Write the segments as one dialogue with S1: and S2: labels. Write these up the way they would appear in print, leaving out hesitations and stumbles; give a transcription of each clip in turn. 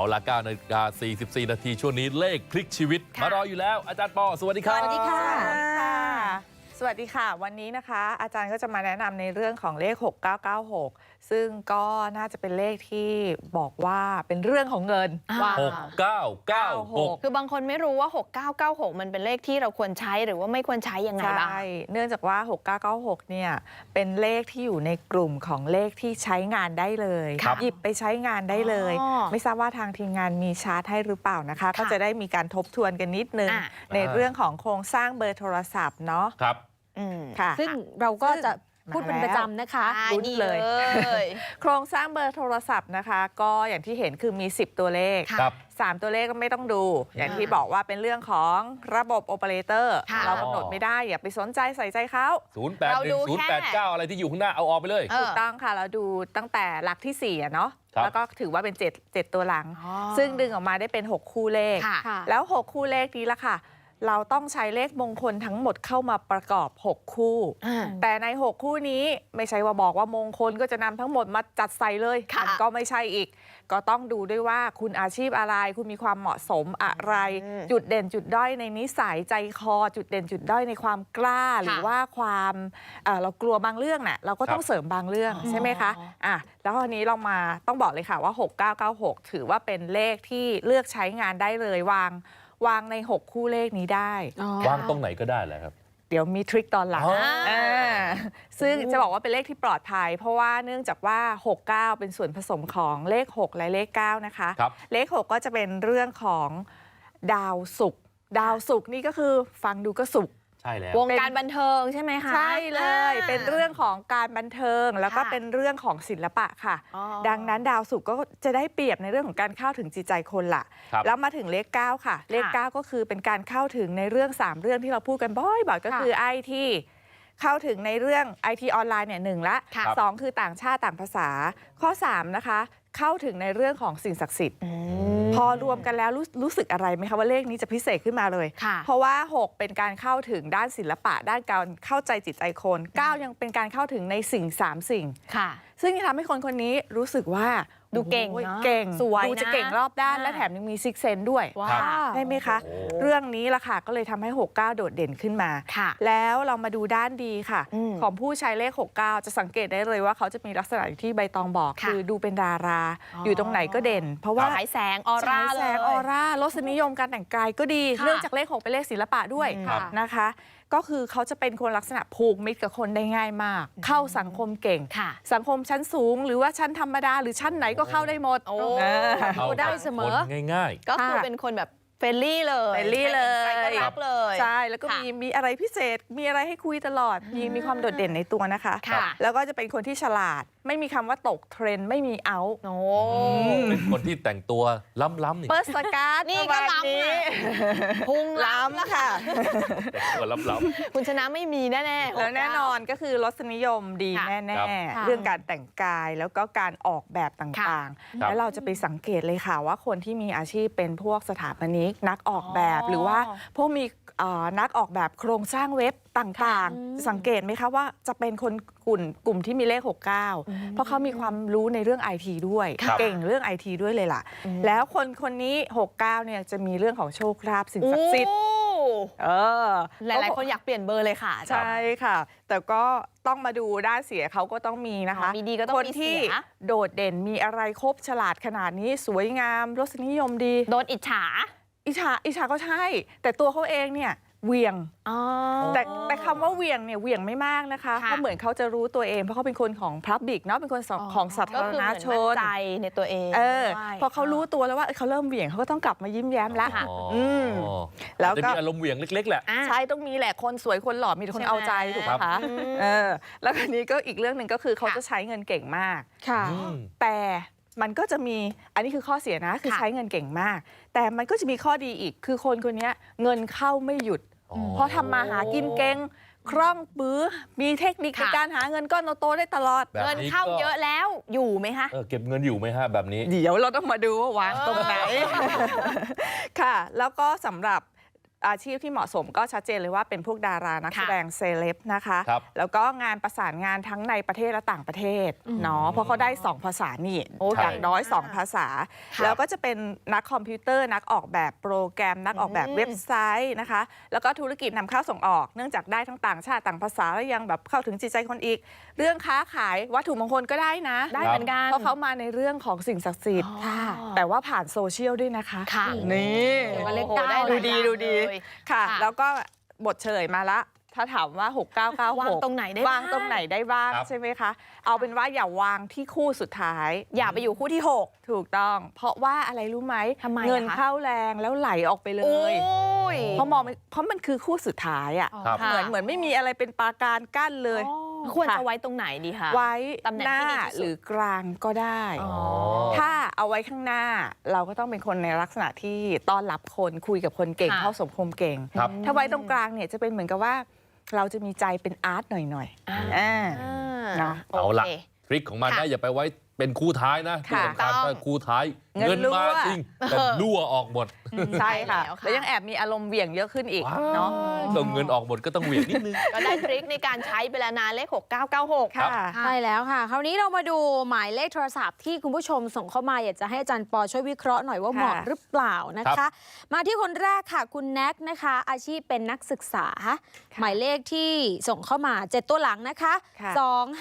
S1: ละ9:44 นาทีช่วงนี้เลขพลิกชีวิตมารออยู่แล้วอาจารย์ปอสวัสดีครับ
S2: สวัสดีค่ะ
S3: สวัสดีค่ะวันนี้นะคะอาจารย์ก็จะมาแนะนำในเรื่องของเลข 6996 ซึ่งก็น่าจะเป็นเลขที่บอกว่าเป็นเรื่องของเงินว่า
S1: 6996
S2: คือบางคนไม่รู้ว่า 6996 มันเป็นเลขที่เราควรใช้หรือว่าไม่ควรใช้ยังไงบ้าง
S3: ใช่เนื่องจากว่า 6996 เนี่ยเป็นเลขที่อยู่ในกลุ่มของเลขที่ใช้งานได้เลย
S1: ครับ
S3: หยิบไปใช้งานได้เลย
S2: อ๋อ
S3: ไม่ทราบว่าทางทีมงานมีชาร์ตให้หรือเปล่านะคะ ก็จะได้มีการทบทวนกันนิดนึง
S2: อ่ะ
S3: ในเรื่องของโครงสร้างเบอร์โทรศัพท์เนาะ
S1: ครับ
S3: ค่ะ
S4: ซึ่งเราก็จะ
S3: ซึ่ง
S4: พูดเป็นประจำนะคะ
S3: ลุ้นเลย
S2: ย
S3: โครงสร้างเบอร์โทรศัพท์นะคะ ก็อย่างที่เห็นคือมี 10 ตัวเลข
S1: ครับ
S3: 3 ตัวเลขก็ไม่ต้องดู อย่างที่บอกว่าเป็นเรื่องของระบบโอเปอเรเตอร์
S2: ค่ะ
S3: เรากำหนดไม่ได้ อย่าไปสนใจใส่ใจเขา
S2: เราดู
S1: 081089
S2: แค่
S1: อะไรที่อยู่ข้างหน้าเอาออกไปเลย
S2: เออ
S3: ถูกต้องค่ะ เราดูตั้งแต่หลักที่ 4อะเนาะ
S1: ครับ
S3: แล้วก็ถือว่าเป็น7ตัวหลัง
S2: อ๋อ
S3: ซึ่งดึงออกมาได้เป็น 6 คู่เลข
S2: ค่ะ
S3: แล้ว 6 คู่เลขนี้ละค่ะ เราต้องใช้เลขมงคลทั้งหมดเข้ามาประกอบ 6 คู่ แต่ใน 6 คู่นี้ไม่ใช่ว่าบอกว่ามงคลก็จะนำทั้งหมดมาจัดใส่เลย
S2: ค่ะ
S3: มันก็ไม่ใช่อีก ก็ต้องดูด้วยว่าคุณอาชีพอะไร คุณมีความเหมาะสมอะไร จุดเด่นจุดด้อยในนิสัยใจคอ จุดเด่นจุดด้อยในความกล้า หรือว่าความเรากลัวบางเรื่องน่ะเราก็ต้องเสริมบางเรื่องใช่ไหมคะแล้วอันนี้เรามาต้องบอกเลยค่ะว่า 6996 ถือว่าเป็นเลขที่เลือกใช้งานได้เลยวางใน 6 คู่เลขนี้ได้
S1: วางตรงไหนก็ได้แหละครับ
S3: เดี๋ยวมีทริคตอนหลัง
S1: อ๋ออ่
S3: ซึ่งจะบอกว่าเป็นเลขที่ปลอดภัย เพราะว่าเนื่องจากว่า 69 เป็นส่วนผสมของเลข 6 และเลข 9 นะคะ
S1: ครับ
S3: เลข 6 ก็จะเป็นเรื่องของดาวศุกร์ดาวศุกร์นี่ก็คือฟังดูก็ศุกร์
S1: ใช่แล้ว
S2: วงการบันเทิงใช่ไหมคะ
S3: ใช่เลย เป็นเรื่องของการบันเทิงแล้วก็
S2: ค่ะ
S3: เป็นเรื่องของศิลปะค่ะ
S2: อ๋อ
S3: ดังนั้นดาวศุกร์ก็จะได้เปรียบในเรื่องของการเข้าถึงจิตใจคนละ
S1: ครับ
S3: แล้วมาถึงเลข 9 ค่ะ เลข 9 ก็คือเป็นการเข้าถึงในเรื่อง 3 เรื่องที่เราพูดกันบ่อยๆก็คือ IT เข้าถึงในเรื่อง IT ออนไลน์เนี่ยหนึ่งละ
S2: ค่ะ
S3: สองคือต่างชาติต่างภาษา ข้อ 3 นะคะ เข้าถึงในเรื่องของสิ่งศักดิ์สิทธิ์ พอรวมกันแล้วรู้สึกอะไรไหมคะว่าเลขนี้จะพิเศษขึ้นมาเลย
S2: ค่ะ
S3: เพราะว่า 6 เป็นการเข้าถึงด้านศิลปะ ด้านการเข้าใจจิตใจคน 9 ยังเป็นการเข้าถึงในสิ่ง 3 สิ่ง
S2: ค่ะ
S3: ซึ่งจะทำให้คนคนนี้รู้สึกว่า
S2: ดูเก่ง
S3: โอ้ย
S2: เนอะ
S3: เก่ง
S2: สวย
S3: ดูจะ
S2: นะ
S3: เก่งรอบด้าน
S2: อ่า
S3: และแถมยังมีซิกเซนด้วย
S2: ว้า
S1: ครับ
S2: ว
S3: ใช่ไหมคะ
S1: โอ้
S3: เรื่องนี้ล่ะค่ะก็เลยทำให้ 69 โดดเด่นขึ้นมา
S2: ค่ะ
S3: แล้วเรามาดูด้านดีค่ะ
S2: อืม
S3: ของผู้ใช้เลข 69 จะสังเกตได้เลยว่าเขาจะมีลักษณะอย่างที่ใบตองบอก
S2: ค่ะ
S3: คือดูเป็นดารา
S2: อ๋อ
S3: อ
S2: อยู่
S3: ตรงไหนก็เด่น เพราะว่า
S2: ฉายแสงออร่า
S3: ฉาย
S2: เล
S3: แส
S2: ย
S3: งออร่ารสนิยมการแต่งกายก็ดี
S2: ค่ะ
S3: เนื่องจากเลข 6 เป็นเลขศิลปะด้วย
S2: ครับ
S3: นะคะ ก็คือเขาจะเป็นคนลักษณะผูกมิตรกับคนได้ง่ายมาก เข้าสังคมเก่ง
S2: ค่ะ
S3: สังคมชั้นสูง หรือว่าชั้นธรรมดาหรือชั้นไหนก็เข้าได้หมด
S2: โอ้
S3: นะ
S1: เข้า
S4: ได้เสมอ
S1: คนง่าย
S2: ก็คือ
S3: ค่ะ
S2: เป็นคนแบบเฟรนลี่เลย
S3: เฟรนลี่เลย
S2: ใครก็รักเลย
S3: ใช่แล้วก็
S2: ค่ะ
S3: มีอะไรพิเศษ มีอะไรให้คุยตลอด มีความโดดเด่นในตัวนะคะ
S2: ค่ะ
S3: แล้วก็จะเป็นคนที่ฉลาด ไม่มีคำว่าตกเทรนด์ไม่มีเอา
S2: โอ้
S1: ๆ เป็นคนที่แต่งตัวล้ำๆนี่
S3: เปิร์สการ์ด
S2: นี่ก็
S3: ประมาณ
S2: ล้ำ
S3: นี้
S2: อะ พุงล้ำ
S3: ล้ำค่ะ
S1: แต่งตัวล้ำ
S2: คุณชนะไม่มีแน่ๆ
S3: แล้วแน่นอนก็คือรสนิยมดี
S2: ค่ะ
S3: แน่
S4: ค่ะ
S3: ๆ เรื่องการแต่งกายแล้วก็การออกแบบต่างๆ แล้วเราจะไปสังเกตเลยค่ะว่าคนที่มีอาชีพเป็นพวกสถาปนิกนักออกแบบ
S2: อ๋อ
S3: หรือว่าพวกมีนักออกแบบโครงสร้างเว็บต่างๆ สังเกตไหมคะว่าจะเป็นคนกลุ่มที่มีเลข 69 เพราะเขามีความรู้ในเรื่อง IT ด้วย
S1: ครับ
S3: เก่งเรื่อง IT ด้วยเลยล่ะ แล้วคนนี้ 69 เนี่ยจะมีเรื่องของโชคลาภสิ่งศักดิ์สิทธิ์
S2: หลายๆ คนอยากเปลี่ยนเบอร์เลยค่ะ
S3: ใช่ค่ะ แต่ก็ต้องมาดูด้านเสียเขาก็ต้องมีนะคะ
S2: มีดีก็ต้อง
S3: คน
S2: มีเสีย
S3: ที่โดดเด่นมีอะไรครบฉลาดขนาดนี้สวยงามรสนิยมดี
S2: โดนอิจฉา
S3: อิจฉาก็ใช่ แต่ตัวเขาเองเนี่ยเหวียง
S2: อ๋อ
S3: แต่คำว่าเหวียงเนี่ยเหวียงไม่มากนะคะ
S2: ค่ะ
S3: เพราะเหมือนเขาจะรู้ตัวเองเพราะเขาเป็นคนของพับบิกเนาะเป็นคนของสา
S2: ก็
S3: ธาร
S2: คือ
S3: ณ
S2: เหมือน
S3: ช
S2: มั่น
S3: น
S2: ใจในตัวเอง
S3: พ
S2: ด้วย
S3: อเขารู้ตัวแล้วว่าเขาเริ่มเหวี่ยงเขาก็ต้องกลับมายิ้มแย้มละ
S2: ค่ะ
S1: อ๋อ
S3: ม
S1: แล้
S3: แล้ว ว
S1: จะ
S3: ก็
S1: มีอารมณ์เหวี่ยงเล็ก ๆ แหละ
S2: อ่ะ
S3: ใช่ต้องมีแหละคนสวยคนหล่อมีแต่คนเอาใจถูกไหม
S1: ครั
S3: คะ
S1: บ
S3: แล้วอันนี้ก็อีกเรื่องหนึ่งก็คือเขา
S2: ค่ะ
S3: จะใช้เงินเก่งมาก
S4: ค่ะ
S1: อืม
S3: แต่มันก็จะมีอันนี้คือข้อเสียนะคือ
S2: ค่ะ
S3: ใช้เงินเก่งมาก แต่มันก็จะมีข้อดีอีกคือคนคนนี้เงินเข้าไม่หยุด
S1: อ๋อ
S3: เพราะทำมาหากินเก่งคล่องปื้อมีเทคนิคใน
S2: ค่ะ
S3: การหาเงินก้อนโตๆได้ตลอด
S1: แบบ
S2: เงิน
S1: นี้
S2: เข้า
S1: ก็
S2: เยอะแล้วอยู่ไหมคะ
S1: เก็บเงินอยู่ไหมฮะแบบนี้
S3: เดี๋ยวเราต้องมาดูว่าวางตรงไหน ค่ะ แล้วก็สำหรับอาชีพที่เหมาะสมก็ชัดเจนเลยว่าเป็นพวกดารานักแสดงเซเลบนะคะ
S1: ครับ
S3: แล้วก็งานประสานงานทั้งในประเทศและต่างประเทศเนาะเพราะเขาได้ 2 ภาษานี่
S2: โอ้
S3: อย่างน้อย
S2: เก่งมาก
S3: 2 ภาษา
S2: ค่ะ
S3: แล้วก็จะเป็นนักคอมพิวเตอร์นักออกแบบโปรแกรม นักออกแบบเว็บไซต์นะคะ แล้วก็ธุรกิจนำเข้าส่งออกเนื่องจากได้ทั้งต่างชาติต่างภาษาแล้วยังแบบเข้าถึงจิตใจคนอีก เรื่องค้าขายวัตถุมงคลก็ได้นะ
S2: ได้เหมือนกัน
S3: เพราะเขามาในเรื่องของสิ่งศักดิ์สิทธิ์
S2: ค่ะ
S3: แต่ว่าผ่านโซเชียลด้วยนะคะ
S2: ค่ะ
S3: นี่
S2: เดี๋ยวมาเลข
S3: โอ้โห
S2: เก้า
S3: ดูดี
S2: หลายอย่าง
S3: ดูดี
S2: เลย
S3: ค่ะ
S2: ค่ะ
S3: แล้วก็บทเฉลยมาละ ถ้าถามว่า 6996
S2: วางตรงไหนได้บ้าง
S3: วางตรงไหนได้บ้าง
S1: ครับ
S3: ใช่ไหมคะ เอาเป็นว่าอย่าวางที่คู่สุดท้าย
S2: อย่าไปอยู่คู่ที่ 6
S3: ถูกต้อง เพราะว่าอะไรรู้ไหม
S2: ทำไมอะคะ
S3: เงินเข้าแรงแล้วไหลออกไปเล
S2: โอ้
S3: ย
S2: ย
S3: เพราะมันคือคู่สุดท้ายอ่ะ
S1: ครับ
S3: เหมือนไม่มีอะไรเป็นปราการกั้นเลย
S2: ควร
S3: ค่ะ
S2: จะไว้ตรงไหนดีคะ
S3: ไว้
S2: ตำแหน่ง
S3: หน้า
S2: ที่ดีที่สุด
S3: หรือกลางก็ได้
S2: อ๋อ
S3: ถ้าเอาไว้ข้างหน้าเราก็ต้องเป็นคนในลักษณะที่ต้อนรับคนคุยกับคนเก่ง
S2: ค่ะ
S3: เข้าสังคมเก่ง
S1: ครับ
S3: ถ้าไว้ตรงกลางเนี่ยจะเป็นเหมือนกับว่า เราจะมีใจเป็นอาร์ตหน่อยๆเนาะ
S1: เอาละ
S2: โค
S1: ทริคของมัน
S2: ค่ะ
S1: นะอย่าไปไว้เป็นคู่ท้ายนะที่
S3: ค่ะ
S1: สำคัญ
S2: ต้อง
S1: ถ้าคู่ท้าย
S3: เงิน
S1: เงินมา
S3: รั่ว
S1: จริงแต่รั่วออกหมด
S3: ใช่ค่ะ
S2: ใช่แล้วค่ะ
S3: แล้วยังแอบมีอารมณ์เหวี่ยงเยอะขึ้นอีก
S1: ว้าว
S3: เนาะ
S1: ส่งเงินออกหมดก็ต้องเหวี่ยงนิดนึง
S2: ก็ได้ทริคในการใช้ไปแล้วนะเลข 6996
S3: ค่ะ
S4: ใช่แล้วค่ะ คราวนี้เรามาดูหมายเลขโทรศัพท์ที่คุณผู้ชมส่งเข้ามาอยากจะให้อาจารย์ปอช่วยวิเคราะห์หน่อยว่าเหมาะหรือเปล่านะ
S1: ครั
S4: คะ
S1: บ
S4: มาที่คนแรกค่ะ คุณแน็กนะคะ อาชีพเป็นนักศึกษา หมายเลขที่ส่งเข้ามา 7 ตัวหลังนะคะ
S3: ค่ะ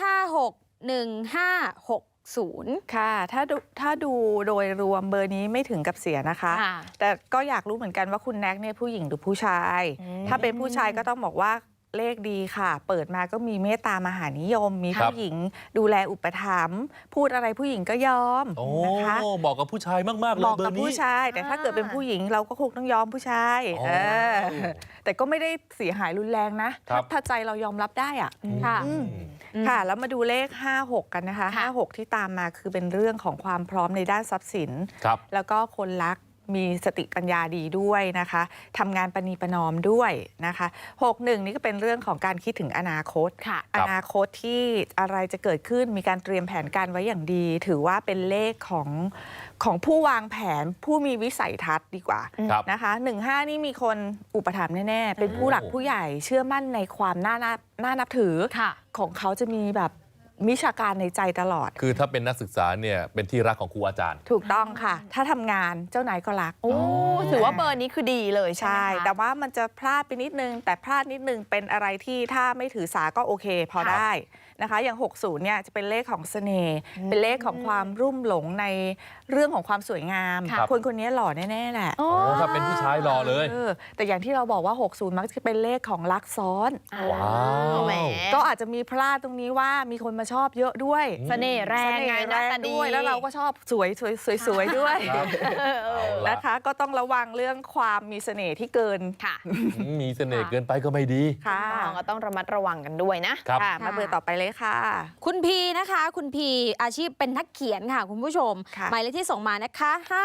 S4: 2561560
S3: ค่ะถ้าดูโดยรวมเบอร์นี้ไม่ถึงกับเสียนะคะ
S2: ค่ะ
S3: แต่ก็อยากรู้เหมือนกันว่าคุณแน็กเนี่ยผู้หญิงหรือผู้ชาย ถ้าเป็นผู้ชายก็ต้องบอกว่าเลขดีค่ะ เปิดมาก็มีเมตตามหานิยม มี
S1: ครับ
S3: ผู้หญิงดูแลอุปถัมภ์พูดอะไรผู้หญิงก็ยอม
S1: โอ้
S3: นะคะ
S1: บอกกับผู้ชายมาก ๆ เลย
S3: บอก
S1: เบอ
S3: กับ
S1: ร์นี้
S3: ผู้ชาย แต่ถ้าเกิดเป็นผู้หญิงเราก็คงต้องยอมผู้ชาย
S1: อ๋อ
S3: แต่ก็ไม่ได้เสียหายรุนแรงนะ
S1: ครับ
S3: ถ้าใจเรายอมรับได้อะ
S4: ค่ะ
S3: อืมค่ะ แล้วมาดูเลข 56 กันนะคะ
S2: ค่ะ
S3: 56 ที่ตามมาคือเป็นเรื่องของความพร้อมในด้านทรัพย์สิน
S1: ครับ
S3: แล้วก็คนรักมีสติปัญญาดีด้วยนะคะทำงานประนีประนอมด้วยนะคะ 61 นี่ก็เป็นเรื่องของการคิดถึงอนาคต
S2: ค่ะ
S3: อนาคตที่อะไรจะเกิดขึ้นมีการเตรียมแผนการไว้อย่างดี ถือว่าเป็นเลขของผู้วางแผนผู้มีวิสัยทัศน์ดีกว่า
S1: ครับ
S3: นะคะ15 นี่มีคนอุปถัมภ์แน่ๆเป็นผู้หลักผู้ใหญ่เชื่อมั่นในความน่านับถือ
S2: ค่ะ
S3: ของเขาจะมีแบบวิชาการในใจตลอด
S1: คือถ้าเป็นนักศึกษาเนี่ยเป็นที่รักของครูอาจารย์
S3: ถูกต้องค่ะ ถ้าทำงานเจ้านายก็รัก
S2: โอ้ถือว่าเบอร์นี้คือดีเลยใช่
S3: ใช่
S2: ไหมคะ
S3: แต่ว่ามันจะพลาดไปนิดนึง แต่พลาดนิดนึงเป็นอะไรที่ถ้าไม่ถือสาก็โอเคพอ
S2: ค่ะ
S3: ได้นะคะ อย่าง 60 เนี่ยจะเป็นเลขของเสน่ห์เป็นเลขของความรุ่มหลงในเรื่องของความสวยงาม
S1: ครับ
S3: คนคนนี้หล่อแน่ๆแหละ
S2: โอ้
S1: โอ้ถ้าเป็นผู้ชายรอเลย
S3: แต่อย่างที่เราบอกว่า 60 มักจะเป็นเลขของรักซ้อน
S1: ว้าว
S2: แหม
S3: ก็อาจจะมีพลาดตรงนี้ว่ามีคนมาชอบเยอะด้วย
S2: เสน่ห์แรงไงหน้าตาดี
S3: ด้วยแล้วเราก็ชอบสวยด้วย
S1: ครับเอาละ
S3: นะคะ ก็ต้องระวังเรื่องความมีเสน่ห์ที่เกิน
S2: ค่ะ
S1: มีเสน่ห์เกินไปก็ไม่ดี
S3: ค่ะ
S2: ก็ต้องระมัดระวังกันด้วยนะ
S1: ครับ
S3: ค่ะ มาเบอร์ต่อไปเลยค่ะ
S4: คุณพีนะคะ คุณพีอาชีพเป็นนักเขียนค่ะ คุณผู้ชม
S3: ค่ะ
S4: หมายเลขที่ส่งมานะคะ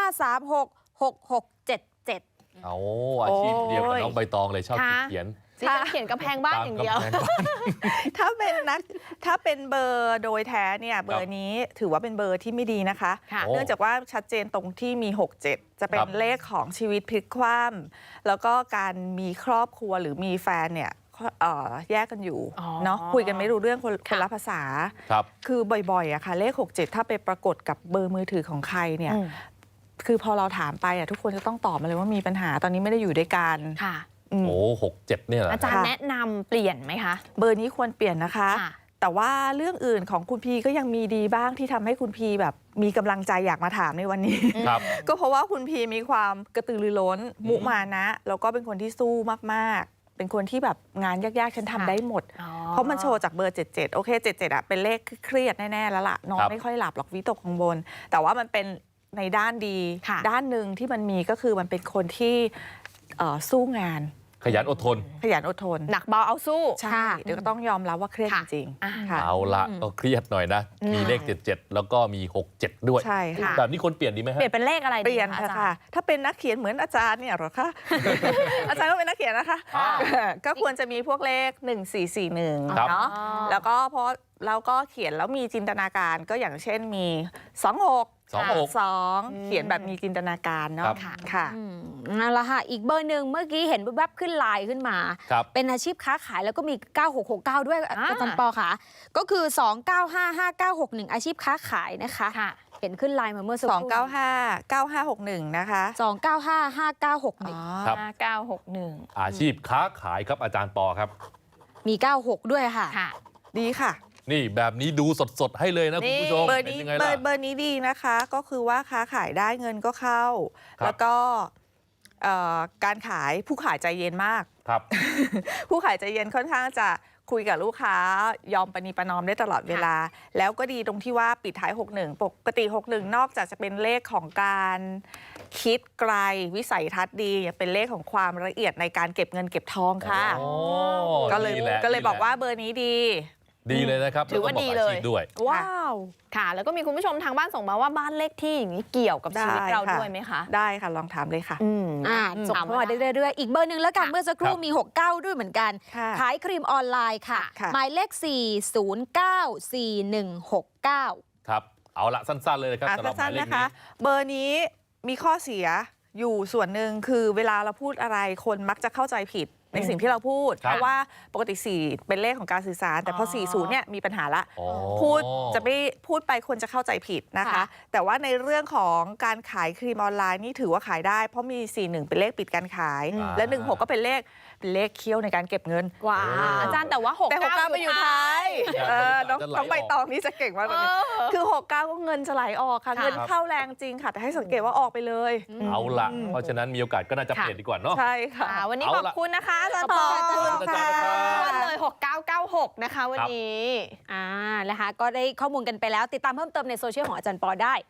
S4: 5366677
S1: เอาอาชีพเดียวกับน้องใบตองเลยชอบ
S2: ค่ะ
S1: เขียน
S2: ที่ฉันเขียนกำแพงบ้านอย่างเดียว
S1: ตมกำแพงบ้าน
S3: ถ้าเป็นเบอร์โดยแท้เนี่ยเบอร์นี้ถือว่าเป็นเบอร์ที่ไม่ดีนะคะ
S2: ค่ะ
S1: โอ้
S3: เนื่องจากว่าชัดเจนตรงที่มี 67 จะเป็
S1: ครั
S3: น
S1: บ
S3: เลขของชีวิตพลิกคว่ำแล้วก็การมีครอบครัวหรือมีแฟนเนี่ยแยกกันอยู่
S2: อ๋อ
S3: เนาะคุยกันไม่รู้เรื่องคน
S2: ค่ะ
S3: ละภาษา
S1: ครับ
S3: คือบ่อยๆอะค่ะเลข 67 ถ้าไปปรากฏกับเบอร์มือถือของใครเนี่ย
S2: อืม
S3: คือพอเราถามไปอะทุกคนจะต้องตอบมาเลยว่ามีปัญหาตอนนี้ไม่ได้อยู่ด้วยกัน
S2: ค่ะ
S3: อืม
S1: โอ้67เนี่ยเหรอ
S2: อาจารย์แนะนำเปลี่ยนไหมคะ
S3: เบอร์นี้ควรเปลี่ยนนะคะ
S2: ค่ะ
S3: แต่ว่าเรื่องอื่นของคุณพีก็ยังมีดีบ้างที่ทำให้คุณพีแบบมีกำลังใจอยากมาถามในวันนี้
S1: ครับ
S3: ก็เพราะว่าคุณพีมีความกระตือรือร้น มุมานะแล้วก็เป็นคนที่สู้มากๆ เป็นคนที่แบบงานยากๆฉันทำได้หมด
S2: อ๋อ
S3: เพราะมันโชว์จากเบอร์ 77 โอเค 77อะเป็นเลขเครียดแน่ ๆ แล้วล่ะนอน
S1: ครับ
S3: ไม่ค่อยหลับหรอกวิตกกังวลแต่ว่ามันเป็นในด้านดี
S2: ค่ะ
S3: ด้านหนึ่งที่มันมีก็คือมันเป็นคนที่สู้งาน
S1: ขยันอดทน
S3: ขยันอดทน
S2: หนักเบาเอาสู้
S3: ใช่เดี๋ยวก็ต้องยอมรับว่าเครียดจ
S2: ค่ะ
S3: ริง
S2: อ่า
S3: ๆค่ะ
S1: เอาละก็เครียดหน่อยนะ มีเลข 77 แล้วก็มี 67 ด้วย
S3: ใช่ค่ะ
S1: แบบนี้คนเปลี่ยนดีไหม
S2: เป
S1: ฮะ
S2: ลี่ยนเป็นเลขอะไร
S3: เป
S2: ดี
S3: ลี่ยน
S2: คะอาจาร
S3: ค่ะ
S2: ย์
S3: ถ้าเป็นนักเขียนเหมือนอาจารย์เนี่ยเหรอคะ อาจารย์ก็เป็นนักเขียนนะคะ
S1: อ่า
S3: ก็ควรจะมีพวกเลข 1441
S1: ครับ
S3: เนาะแล้วก็เพราะแล้วก็เขียนแล้วมีจินตนาการก็อย่างเช่นมี26 2 เขียนแบบมีจินตนาการเนาะค่ะ
S4: นั่นแหละค่ะอีกเบอร์หนึ่งเมื่อกี้เห็นแวบๆขึ้นไลน์ขึ้นมา เป็นอาชีพค้าขายแล้วก็มี 9669 ด้วยอาจารย์ปอค่ะก็คือ 2955961 อาชีพค้าขายนะคะเห็นขึ้นไลน์มาเมื่อสักครู่
S3: 2959561นะคะ
S4: 2955961
S1: ครับ
S2: 961
S1: อาชีพค้าขายครับอาจารย์ปอครับ
S4: มี 96 ด้วยค่ะ
S3: ดีค่ะ
S1: นี่แบบนี้ดูสดๆให้เลยนะคุณผู้ชม
S3: เบอร์นี้เบอร์นี้ดีนะคะก็คือว่าค้าขายได้เงินก็เข้าแล้วก็การขายผู้ขายใจเย็นมาก
S1: ครับ
S3: ผู้ขายใจเย็นค่อนข้างจะคุยกับลูกค้ายอมประนีประนอมได้ตลอดเวลาแล้วก็ดีตรงที่ว่าปิดท้าย 61 ปกติ 61 นอกจากจะเป็นเลขของการคิดไกลวิสัยทัศน์ดีเป็นเลขของความละเอียดในการเก็บเงินเก็บทองค่ะก็เลยบอกว่าเบอร์นี้ดี
S1: เลยนะครับ
S2: ถือว่าดีเลย
S1: ด้วย
S2: ว้าวค่ะแล้วก็มีคุณผู้ชมทางบ้านส่งมาว่าบ้านเลขที่อย่างนี้เกี่ยวกับชีวิตเราด้วยไหมคะ
S3: ได้ค่ะลองถามเลยค่ะ
S4: ส่งเข้ามาเรื่อยๆอีกเบอร์หนึ่งแล้วกันเมื่อสักครู่มี69ด้วยเหมือนกันขายครีมออนไลน์ค่ะหมายเลข4094169
S1: ครับเอาละสั้นๆเลยนะครับสำหรับหมายเลขนี้
S3: เบอร์นี้มีข้อเสียอยู่ส่วนหนึ่งคือเวลาเราพูดอะไรคนมักจะเข้าใจผิดในสิ่งที่เราพูดเพราะว่าปกติ4เป็นเลขของการสื่อสารแต่พอ40เนี่ยมีปัญหาละจะไม่พูดไปคนจะเข้าใจผิดนะคะแต่ว่าในเรื่องของการขายครีมออนไลน์นี่ถือว่าขายได้เพราะมี41เป็นเลขปิดการขายและ16ก็เป็นเลขเคี่ยวในการเก็บเงิน
S2: ว้าอาจารย์แต่ว่า
S3: 69ไปอยู่ท้ายน้องใบตองนี่จะเก่งมากเลยคือ69ก็เงินจะไหลออกค่ะเงินเข้าแรงจริงค่ะแต่ให้สังเกตว่าออกไปเลย
S1: เอาละเพราะฉะนั้นมีโอกาสก็น่าจะเปลี่ยนดีกว่าเนาะ
S3: ใช่ค่ะ
S2: วันนี้ขอบคุณนะคะอาจารย์ปอวันเลย6996นะคะวันนี้
S4: นะคะก็ได้ข้อมูลกันไปแล้วติดตามเพิ่มเติมในโซเชียลของอาจารย์ปอได้